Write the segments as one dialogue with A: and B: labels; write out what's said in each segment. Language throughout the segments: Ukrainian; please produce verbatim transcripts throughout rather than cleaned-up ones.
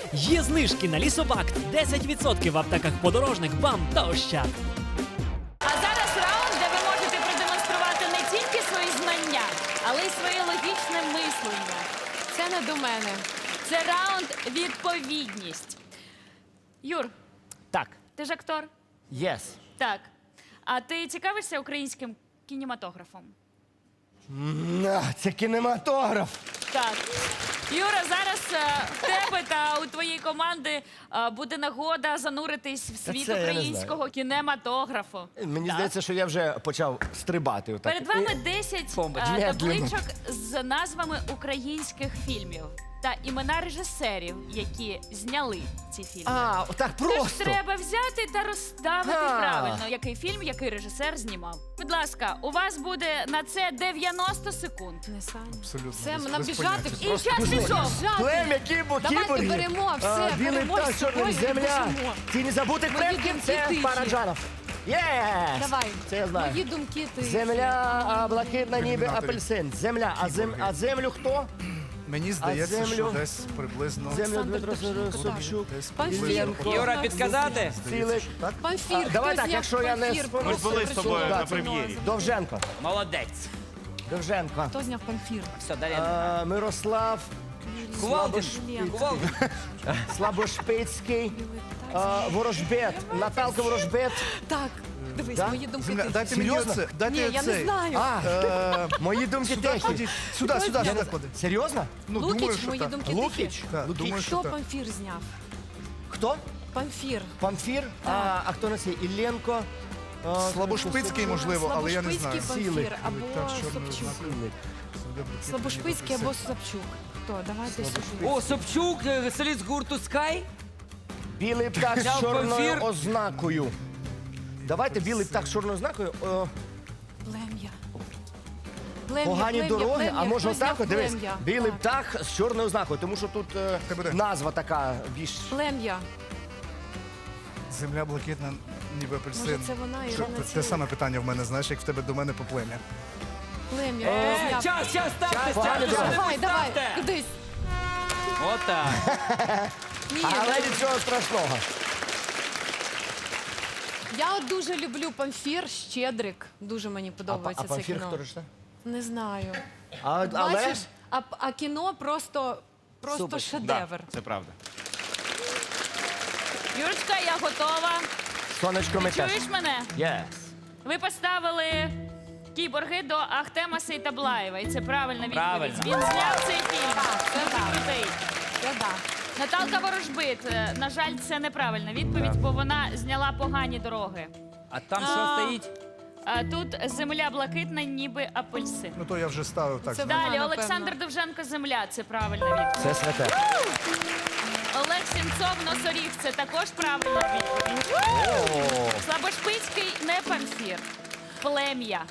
A: Є знижки на Лісобакт, десять відсотків в аптеках подорожник, БАМ та Ощад.
B: А зараз раунд, де ви можете продемонструвати не тільки свої знання, але й своє логічне мислення.
C: Це не до мене.
B: Це раунд відповідність. Юр,
D: Так,
B: ти ж актор?
D: єс.
B: Так. А ти цікавишся українським кінематографом?
D: На, це кінематограф.
B: Так. Юра, зараз е, в тебе та у твоєї команди е, буде нагода зануритись в
D: Та
B: світ
D: це я не
B: українського кінематографу.
D: Мені
B: Так.
D: здається, що я вже почав стрибати. Отак.
B: Перед вами десять е,
D: Медленно.
B: табличок з назвами українських фільмів та імена режисерів, які зняли ці фільми.
D: А, отак
B: Тож
D: просто.
B: треба взяти та розставити
D: А.
B: правильно, який фільм, який режисер знімав. Будь ласка, у вас буде на це дев'яносто секунд.
C: Не Саня.
E: Абсолютно.
C: Все,
E: без-
C: нам
E: без
C: біжати.
E: поняття.
B: І час пішов.
D: Плем'я кібо,
C: Давайте
D: кіборги.
C: беремо, все,
D: А, білий
C: беремо
D: птах,
C: з
D: чорний
C: собою і
D: земля.
C: біжимо.
D: Тіні забутих
C: Мої
D: предків,
C: думки
D: це
C: тихі.
D: Параджанов. Єс!
C: Давай.
D: Це я знаю.
C: Мої думки ти.
D: Земля, а, блакитна, ніби
E: Ілюмінаторі.
D: апельсин. Земля, а, зем, а землю хто?
E: Мені здається,
D: землю?
E: що десь приблизно...
D: Землю
C: Олександр
D: Дмитро
C: Довженко,
D: Собчук.
E: Десь
C: Памфір.
D: Іллєнко.
F: Юра, підказати?
D: Цілик.
C: Памфір.
D: А, давай
C: Хто
D: так,
C: зняв
D: якщо я не
C: Памфір?
D: спору-
C: Просто
D: Ми були з
C: прийшов
D: тобою
C: до
D: на
C: цього.
D: прем'єрі. Довженко.
F: Молодець.
D: Довженко.
C: Хто зняв Памфір?
F: Все, далі.
D: А, Мирослав
F: Кувалдин.
C: Іллєнко.
F: Кувалдин.
D: Слабошпицький. а, Ворожбет. Наталка Ворожбет.
C: Так, дивись,
D: Да?
C: мої думки
E: Земля,
C: ти.
E: дайте мені
D: Серйозно?
E: оце. Дайте
C: Ні, я не
E: цей.
C: знаю.
D: А,
E: Е,
D: мої думки
E: Сюди
D: техні.
E: ходіть. Сюди, сюди,
D: Я
E: сюди
D: не-
E: клади.
D: Серйозно?
E: Ну,
C: Лукіч,
E: думаю, що
C: мої
E: так.
C: думки
D: Лукіч?
C: тихі.
E: Так,
D: Лукіч.
E: думаю, що
C: Хто
E: так.
C: Памфір зняв?
D: Хто?
C: Памфір.
D: Памфір? А, а хто на цій? Ілленко? а,
E: Слабошпицький, можливо, але я не знаю.
C: Слабошпицький
D: Сілик.
C: Памфір або
E: Так, чорний
C: Собчук.
D: Сілик.
C: Слабошпицький або Собчук. Хто? Давайте сюди.
F: О, Собчук, е, соліст гурту Скай.
D: Білий птах з
F: Взяв
D: чорною
F: Памфір.
D: ознакою. Давайте білий птах з чорною ознакою. О,
C: Плем'я. Плем'я,
D: погані
C: плем'я,
D: дороги,
C: плем'я.
D: а може
C: Хто зняв
D: отак, от, дивись,
C: Плем'я?
D: білий
C: Так.
D: птах з чорною ознакою, тому що тут е,
E: Хай буде.
D: назва така більш...
C: Плем'я.
E: Земля блакитна, ніби апельсин.
C: Може, це вона,
E: Що,
C: Ірина
E: те- Те
C: Цілик?
E: саме питання в мене, знаєш, як в тебе до мене по плем'я.
C: Плем'я.
F: Е,
C: Хто зняв?
F: Час, час, ставте,
D: погані
F: ставте,
D: дороги.
C: Давай, давай,
F: ставте.
C: кудись.
F: Отак.
C: Ні,
D: Але нічого страшного.
C: я от дуже люблю Памфір, Щедрик. Дуже мені
D: А,
C: подобається
D: а
C: це
D: Памфір
C: кіно.
D: хто ж це?
C: Не знаю.
D: А, але...
C: Бачиш, а, а кіно просто, просто
F: Супер.
C: шедевр.
G: Це правда.
B: Юрочка, я готова.
D: Сонечко ми
B: Ти
D: теж.
B: чуєш мене?
D: Yes.
B: Ви поставили кіборги до Ахтема Сейтаблаєва, і це правильна відповідь.
F: Правильно.
B: Він зняв цей фільм.
C: це
B: Дуже
C: так.
B: крутий.
C: Я да.
B: Наталка Ворожбит. е, На жаль, це неправильна відповідь, бо вона зняла погані дороги.
F: А там що стоїть?
B: А тут земля блакитна, ніби апельсин.
E: Ну то я вже ставив так.
C: Це
E: знаєш.
B: Далі
C: напевно.
B: Олександр Довженко земля. Це правильна відповідь.
D: Це святе.
B: Олег Сінцов носоріг. Це також правильна відповідь. Слабошпицький не Памфір. Плем'я.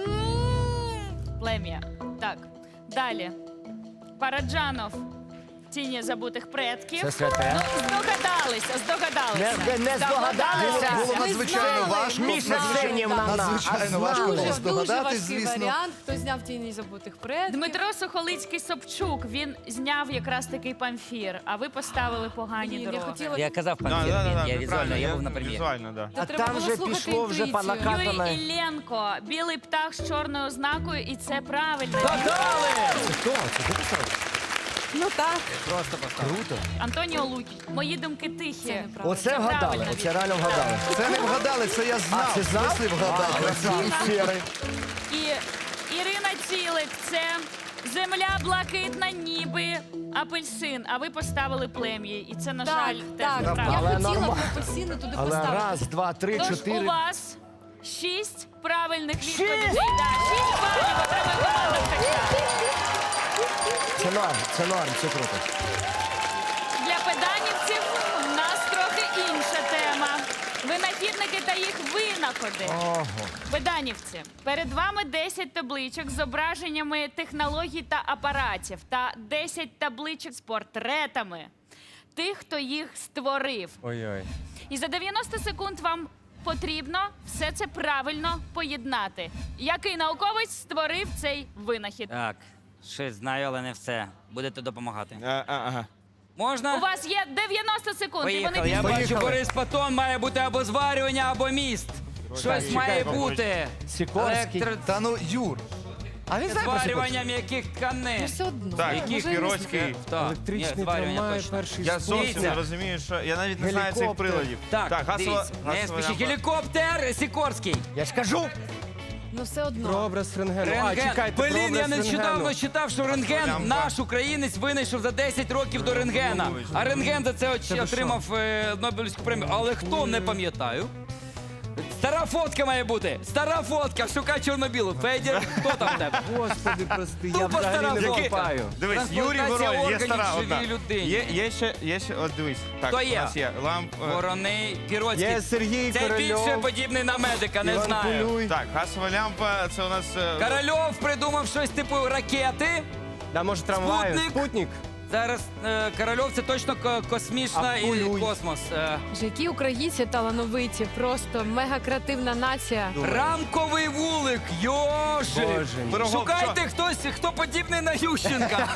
B: Плем'я. Так. Далі. Параджанов. Тіні забутих предків.
D: Це святе.
B: Ну, здогадалися, здогадалися.
D: Не, не здогадалися.
E: Було
C: Ми
E: надзвичайно
C: знали.
E: важко.
D: Міша Сенівна.
E: Надзвичайно важко
C: Дуже,
E: було
C: дуже
E: здогадатись,
C: важкий
E: звісно.
C: варіант. Хто зняв тіні забутих предків.
B: Дмитро Сухолицький Собчук. Він зняв якраз такий Памфір, а ви поставили погані
C: Блін, я
B: дороги.
C: хотіла...
F: Я казав
G: Да,
F: Памфір,
G: да, да,
F: я
G: да,
F: візуально,
G: правильно,
F: я був на прем'єрі.
G: Візуально, да.
D: А
C: треба
D: там
C: було
D: вже
C: слухати
D: пішло вже
C: інтуїцію.
D: по
B: Юрій
D: накатаної.
B: Ілленко. Білий птах з чорною ознакою, і це правильно.
F: Гадали!
D: Це хто? Це ти писав?
C: Ну так.
F: Просто поставив.
D: Круто.
B: Антоніо Лукіч. Мої думки
C: Це
B: тихі.
C: неправда.
D: Оце
B: Це
D: вгадали,
B: правильна
D: оце реально вгадали.
E: Це не вгадали, це я знав.
D: А, це знав?
E: Мислив вгадав.
D: А, красавець сірий.
B: І Ірина Цілик. Це земля блакитна, ніби апельсин. А ви поставили плем'я. І це, на
C: Так,
B: жаль, теж
C: так.
B: неправильно.
C: Я
D: Але
C: хотіла
D: нормально.
C: б апельсини туди
D: Але
C: поставити.
D: раз, два, три,
B: Тож у
D: чотири.
B: вас шість правильних відповідей. Да, шість балів отримує команда «Ткача».
D: Це норм, це норм, це круто.
B: Для педанівців у нас трохи інша тема. Винахідники та їх винаходи.
D: Ого.
B: Педанівці, перед вами десять табличок з зображеннями технологій та апаратів та десять табличок з портретами тих, хто їх створив.
F: Ой-ой.
B: І за дев'яносто секунд вам потрібно все це правильно поєднати. Який науковець створив цей винахід?
F: Так, щось знаю, але не все. Будете допомагати.
G: А, а, ага.
F: Можна?
B: У вас є дев'яносто секунд, і
F: Поїхали.
B: вони
F: Я
B: пішли.
F: бачу, Борис Патон має бути або зварювання, або міст. Щось має бути.
D: Сікорський.
F: Електро-
E: Та ну, Юр.
D: А він знає про
F: Зварювання м'яких тканин.
C: Все одно.
G: Так,
C: Може,
G: який
C: не
G: Піроцький.
F: Так,
H: Електричний
F: ні, зварювання
H: трамвай,
F: точно.
H: перший
G: Я зовсім
F: Дивіться.
G: не розумію, що я навіть не знаю цих
H: Гелікоптер.
G: приладів.
F: Так,
G: гасова,
F: дивіться, не
G: гасова
F: спішіть.
G: лямпа.
F: Гелікоптер Сікорський.
D: Я ж кажу.
C: Ну все одно.
H: Про образ рентгену. А,
F: Рентген.
H: чекайте, про
F: Блін, я
H: образ
F: нещодавно
H: рентгену.
F: читав, що рентген
G: Лямпа.
F: наш українець винайшов за десять років до рентгена. А рентген за це оч- отримав е, Нобелівську премію. Але хто, не пам'ятаю. Стара фотка має бути. Стара фотка. Шукай чорно-білу. Федір, хто там в тебе?
H: Господи, прости, я
F: Тупо стара
H: взагалі не
F: фотка.
H: копаю.
G: Дивись, Юрій
F: Трансплантація
G: Воронін, є
F: органів
G: стара
F: живій
G: одна.
F: людині.
G: Є, є ще, є ще, от дивись. Так,
F: Хто
G: у
F: є?
G: нас є ламп. е,
F: Вороний, Піроцький.
H: Є Сергій
F: Це
H: Корольов.
F: більше подібний на медика, не
H: Іван
F: знаю.
H: Кулюй.
G: Так, гасова лямпа, це у нас... е,
F: Корольов придумав щось типу ракети.
H: Да, може трамваю.
F: Спутник.
H: Спутник.
F: Зараз е, Корольов це точно ко- космічна
H: А
F: і
H: Кулюй?
F: космос. Е,
C: Боже, які українці талановиті, просто мега креативна нація.
F: рамковий вулик, йоши.
H: Боже мій.
G: Пирогов,
F: Шукайте хтось, хто подібний на Ющенка.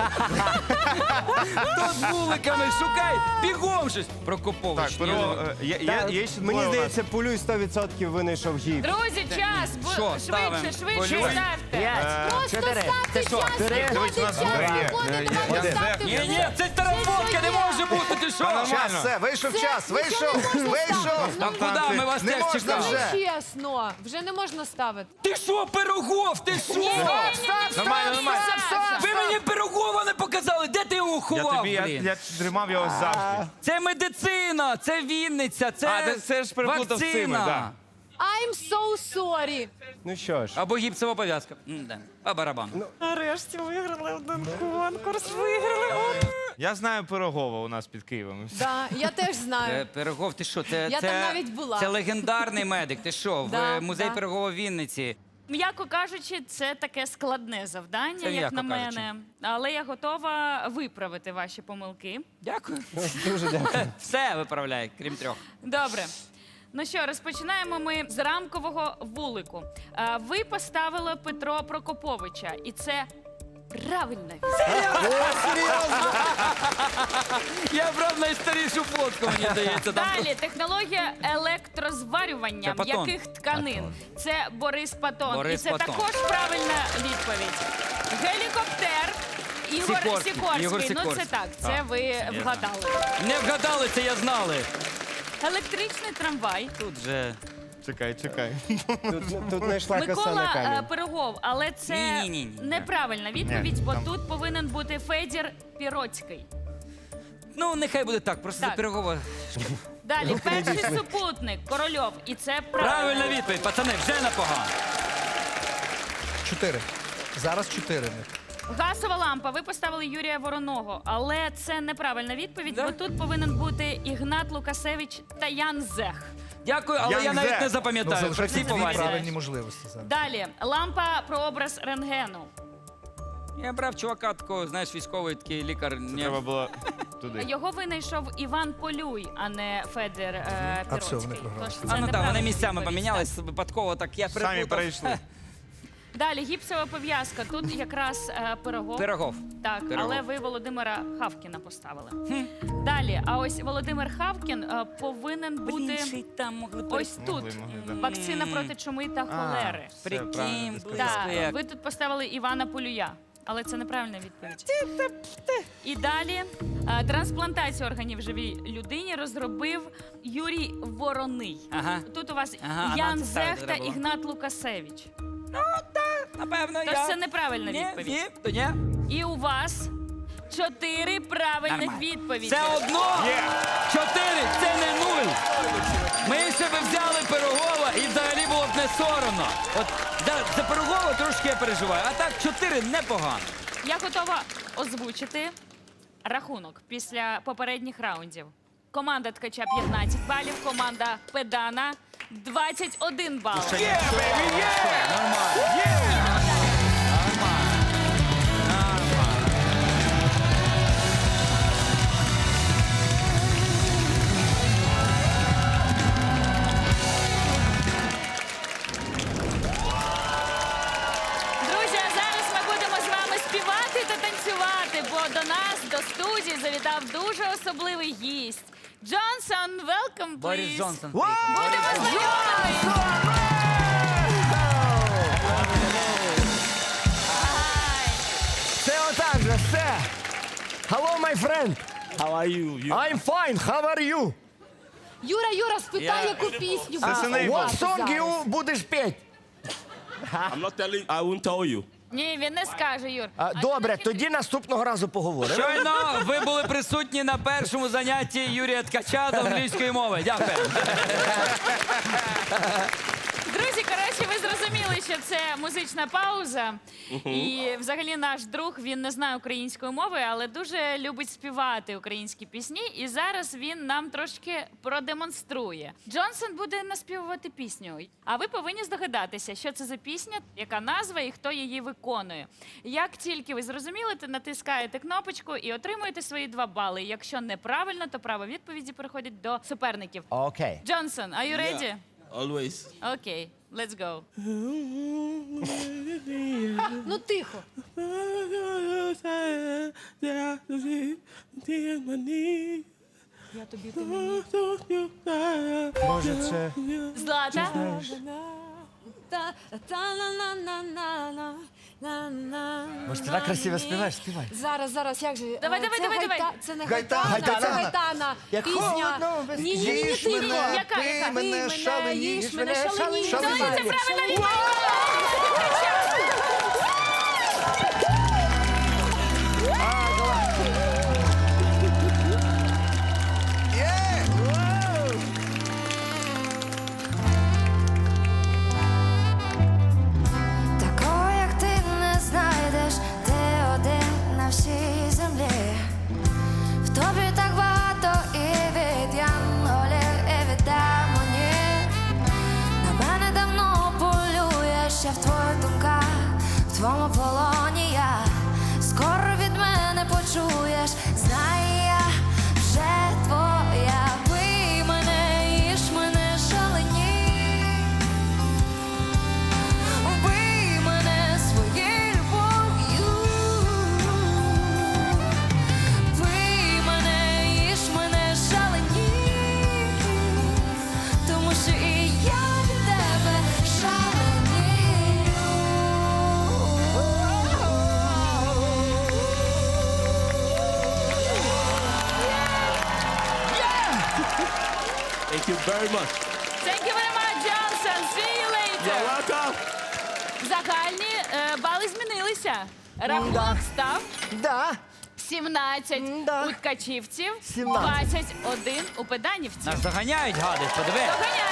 F: Хто з вуликами, шукай, бігом щось.
G: Так,
F: Прокопович.
G: перо, е, є, є,
H: Та,
G: є ще
H: Мені
G: двоє у нас.
H: здається, Пулюй сто відсотків винайшов гіп.
B: Друзі, час! Бу-
F: Що, ставимо?
B: Швидше, швидше
F: Полюй.
B: ставте.
D: П'ять, чотири.
C: Ставте
F: що,
C: час,
G: Дивись, у нас
C: виходить час,
G: є,
C: виходить,
G: є, є,
C: давайте
G: є.
C: ставте
F: Ні,
C: вже.
F: ні, це стара фотка, не може бути, ти що?
D: Час, все, вийшов час, вийшов, вийшов.
F: А куди ми вас
D: Не
F: теж
D: можна
F: чекали?
D: вже.
C: Чесно, вже не можна ставити.
F: Ти що, Пирогов, ти що?
G: Нормально, нормально.
F: Ви мені Пирогова не показали, де ти його
G: Я
F: ховав,
G: тобі, я,
F: блін?
G: я тримав його завжди.
F: Це медицина, це Вінниця, це
G: А, ти це ж переплутав з цими,
F: вакцина.
G: да.
C: I'm so sorry.
H: Ну що ж.
F: Або гіпсова пов'язка. М-да. А барабан.
C: Нарешті виграли один конкурс, виграли.
G: Я знаю Пирогова у нас під Києвом.
C: Да, я теж
F: Е,
C: знаю.
F: Пирогов, ти що? Це,
C: Я
F: це,
C: там навіть була.
F: Це легендарний медик. Ти що? В
C: Да,
F: е, музей
C: да.
F: Пирогова в Вінниці.
B: М'яко кажучи, це таке складне завдання,
F: Це
B: як
F: м'яко
B: на
F: кажучи.
B: мене. Але я готова виправити ваші помилки.
F: Дякую.
H: Дуже дякую.
F: Все виправляй, крім трьох.
B: Добре. Ну що, розпочинаємо ми з рамкового вулику. А, Ви поставили Петро Прокоповича, і це правильна відповідь.
F: Я брав найстарішу фотку, мені здається. Там
B: Далі технологія електрозварювання
F: Це Патон.
B: м'яких тканин. Це Борис Патон.
F: Борис
B: і це
F: Патон.
B: також правильна відповідь. Гелікоптер. Ігор
F: Сікорський.
B: Сікорський.
F: Ігор
B: Ну це
F: Сікорський.
B: так, це ви вгадали.
F: не вгадали, це я знали.
B: Електричний трамвай.
F: Тут же.
G: Чекай, чекай.
H: Тут, тут знайшла коса
B: Микола
H: на
B: е,
H: камінь.
B: Пирогов, але це
F: Ні-ні-ні.
B: неправильна відповідь,
G: Ні,
B: бо
G: там-
B: тут повинен бути Федір Піроцький.
F: Ну, нехай буде так, просто
B: Так.
F: за Пирогова.
B: Далі перший супутник Корольов, і це правильно.
F: Правильна відповідь, пацани, вже непогано.
E: Чотири. Зараз чотири.
B: Газова лампа. Ви поставили Юрія Вороного, але це неправильна відповідь,
F: Да?
B: бо тут повинен бути Ігнат Лукасевич та Ян Зех.
F: Дякую, але я
G: Янзе.
F: навіть не
E: Ну,
F: запам'ятаю. При
E: залишаються
F: всій
E: дві
F: повазі.
E: правильні можливості зараз.
B: Далі лампа прообраз рентгену.
F: Я брав чувака такого, знаєш, військовий такий лікар. Ні.
G: Треба було туди.
B: Його винайшов Іван Полюй, а не Федір е,
E: А все, вони
B: Піроцький.
E: програли.
B: Тож це
F: А ну так, вони
B: неправильна
F: місцями
B: відповідь,
F: помінялись випадково, так я
G: Самі
F: переплутав.
G: перейшли.
B: Далі гіпсова пов'язка. Тут якраз е, Пирогов.
F: Пирогов.
B: Так,
F: Пирогов.
B: але ви Володимира Хавкіна поставили. Далі, а ось Володимир Хавкін е, повинен бути
F: там могли
B: ось тут.
G: Могли, могли, да.
B: Вакцина проти чуми та холери.
G: Все правильно
F: Прикинь,
G: ти сказав.
F: близько
B: Так,
F: як.
B: ви тут поставили Івана Полюя, але це неправильна відповідь. І далі е, трансплантацію органів живій людині розробив Юрій Вороний.
F: Ага.
B: Тут у вас
F: Ага, а
B: Ян
F: нам це ставити
B: Зех та
F: треба було.
B: Ігнат Лукасевич.
F: Напевно,
B: Тож
F: я.
B: це неправильна
F: Ні,
B: відповідь.
F: ні, то ні.
B: І у вас чотири правильних
F: Нормально.
B: відповіді.
F: Це одно. Чотири, це не нуль. Ми себе взяли Пирогова і взагалі було б не соромно. От за, за Пирогова трошки я переживаю, а так чотири непогано.
B: Я готова озвучити рахунок після попередніх раундів. Команда Ткача п'ятнадцять балів, команда Педана двадцять один бал.
F: Є, бейбі, є! Нормально. Є! Нормально. Нормально.
B: Друзі, а зараз ми будемо з вами співати та танцювати, бо до нас, до студії, завітав дуже особливий гість. Джонсон, welcome,
F: Борис
B: please.
F: Джонсон.
D: Вау!
B: Будемо знайомі.
D: Це отак же, все. Hello, my friend.
I: How are you? You
D: I'm fine, how are you?
C: Юра, Юра, спитай,
F: Я-
C: яку пісню
G: Це синей був.
D: What song you будеш петь?
I: I'm not telling I won't tell you.
B: Ні, він не скаже, Юр.
D: А, Добре, тоді наступного разу поговоримо.
F: Щойно ви були присутні на першому занятті Юрія Ткача з англійської мови. Дякую.
B: Друзі, коротше, ви зрозуміли, що це музична пауза. І взагалі наш друг, він не знає української мови, але дуже любить співати українські пісні. І зараз він нам трошки продемонструє. Джонсон буде наспівувати пісню. А ви повинні здогадатися, що це за пісня, яка назва і хто її виконує. Як тільки ви зрозуміли, то натискаєте кнопочку і отримуєте свої два бали. Якщо неправильно, то право відповіді переходить до суперників.
D: Окей.
B: Джонсон, are you ready?
I: Always.
B: Окей, let's go.
C: Ну тихо. Я тобі ти мені.
H: Може, це
B: Злата.
C: Та- та-на-на-на-на-на, на-на.
D: Може, ти так красиво співаєш? Співай.
C: Зараз, зараз, як же?
B: Давай,
C: е,
B: давай,
C: це
B: давай,
C: гайта-
B: давай.
C: Це не
D: Гайтана.
C: гайтана, це
D: Гайтана.
C: гайтана.
D: Як
C: Пісня.
D: холодно, без-
C: Ні, ні, ні,
D: Їж
C: тихо.
D: мене,
B: Яка, яка?
D: пий мене, шалені,
C: їж мене, шалені.
D: шалені.
B: Це правильно відповідь!
J: Такого, як ти, не знайдеш, ти один на всій землі. В тобі так багато і від янголів, і від демонів. На мене давно полюєш, я в твоїх думках, в твоєму полоні я. Скоро від мене почуєш, знай, я вже твоя. Пий мене, їж мене, шалені. Вбий мене своєю любов'ю. Пий мене, їж мене, шалені. Тому що і я від тебе шаленію.
I: Thank you very much.
B: Thank you very much, Johnson. See you
I: You're
B: later.
I: welcome.
B: Загальні е, бали змінилися. Рахунок став
D: Да.
B: сімнадцять
D: М-да.
B: у ткачівців,
D: сімнадцять.
B: двадцять один у педанівців.
F: Нас доганяють, гади, подиви.
B: Доганяють.